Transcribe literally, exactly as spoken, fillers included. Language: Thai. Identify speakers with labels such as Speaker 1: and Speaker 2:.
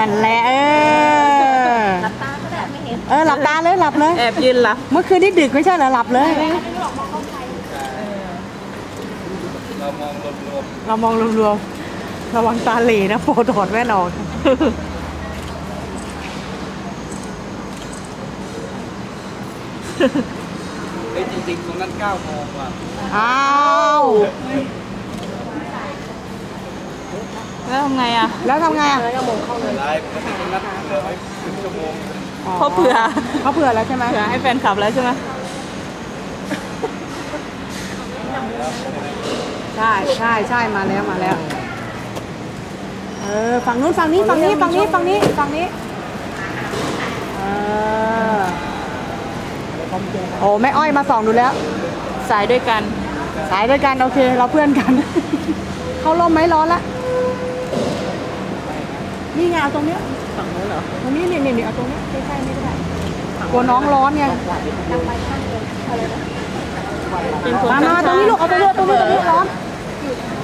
Speaker 1: นั่นแหละเออหลับตาก็ได้ไม่เห็นเออหลับตาเลยหลับเลย
Speaker 2: แอบยืนหลับ
Speaker 1: เมื่อคืนนี่ดึกไม่ใช่เหรอหลับเลย
Speaker 3: เรามองรวม
Speaker 1: ๆเรามองรวมๆระวังตาเหล่นะโปรถอดแว่นออก
Speaker 3: เฮ้ยจริงๆตรงนั้นเก้าโมงว่ะ
Speaker 1: อ้าว
Speaker 2: แล้วทำไงอ่ะ
Speaker 1: แล้วทำไงอ่ะ
Speaker 3: ไลฟ์ก็ถึงนัดเหลือไว้ครึ่งชั่วโมง
Speaker 2: เขาเผื่อ
Speaker 1: เขาเผื่อแล้วใช่ไหม
Speaker 2: เผื่อให้แฟนคลับแล้วใช่ไหม
Speaker 1: ใช่ใช่ใช่มาแล้วมาแล้วเออฝั่งนู้นฝั่งนี้ฝั่งนี้ฝั่งนี้ฝั่งนี้ฝั่งนี้เออโอ้แม่อ้อยมาส่องดูแล้ว
Speaker 2: สายด้วยกัน
Speaker 1: สายด้วยกันโอเคเราเพื่อนกันเข้าร่มไหมร้อนละนี่ไงเอาตรงเนี้ย
Speaker 2: ฝั่งนู้นเหรอ
Speaker 1: ตรงนี้นี่นี่เอาตรงนี้ใกล้ๆนี่ก็ได้กลัวน้องร้อนไงมามาตรงนี้ลูกเอาไปเลือกตรงนี้ตรงนี้ร้อน